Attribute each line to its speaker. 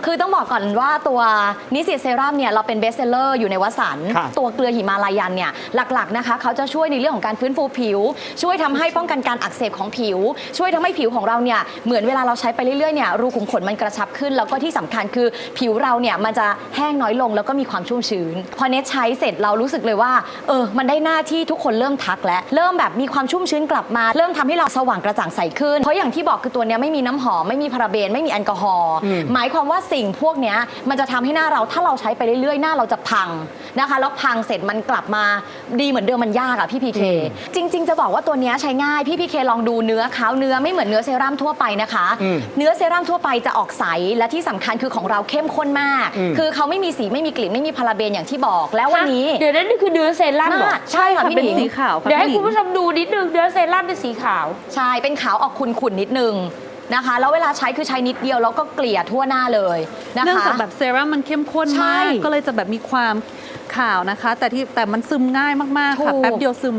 Speaker 1: คือต้องบอกก่อนว่าตัวนิสิตเซรั่มเนี่ยเราเป็นเบสเซลเลอร์อยู่ในวสันต์ตัวเกลือหิมาลายันเนี่ยหลักๆนะคะเขาจะช่วยในเรื่องของการฟื้นฟูผิวช่วยทำให้ป้องกันการอักเสบของผิวช่วยทำให้ผิวของเราเนี่ยเหมือนเวลาเราใช้ไปเรื่อยๆเนี่ยรูขุมขนมันกระชับขึ้นแล้วก็ที่สำคัญคือผิวเราเนี่ยมันจะแห้งน้อยลงแล้วก็มีความชุ่มชื้นพอเนทใช้เสร็จเรารู้สึกเลยว่ามันได้หน้าที่ทุกคนเริ่มทักและเริ่มแบบมีความชุ่มชื้นกลับมาเริ่มทำให้เราสว่างกระจ่างใสขึ้นเพราะอย่างที่บอกคือตัวเนี้ยไม่มีน้ำหอมไม่มีพาราเบนไม่มีแอลกอฮอล์หมายความว่าสิ่งพวกเนี้ยมันจะทำให้หน้าเราถ้าเราใช้ไปเรื่อยๆหน้าเราจะพังนะคะแล้วพังเสร็จมันกลับมาดีเหมือนเดิมมันยากอะพี่พีเคจริงๆจะบอกว่าตัวเนี้ยใช้ง่ายพี่พีเคลองดูเนื้อเขาเนื้อไม่เหมือนเนื้อเซรั่มทั่วไปนะคะเนื้อเซรั่มทั่วไปจะออกใสและที่สำคัญคือของเราเข้มข้นมากคือเขาไม่มีสีไม่มีกลิ่นไม่มีพาราเบนอย่างที่บอกแล้ววันนี้
Speaker 2: เดี๋ยวนั่นนี่คือเนื้อเซรั่มเหรอ
Speaker 1: ใช่ค่ะพี่หนิง
Speaker 3: เป็นสีขาว
Speaker 2: เดี๋ยวให้คุณผู้ชมดูนิดนึงเนื้อเซรั่มเป็นสีขาว
Speaker 1: ใช่เป็นขาวออกขุ่นๆนิดนึงนะคะแล้วเวลาใช้คือใช้นิดเดียวแล้วก็เกลี่ยทั่วหน้าเลยนะคะ
Speaker 3: เนื่องจากแบบเซรั่มมันเข้มข้นมากก็เลยจะแบบมีความขาวนะคะแต่มันซึมง่ายมากๆค่ะแป๊บเดียวซึม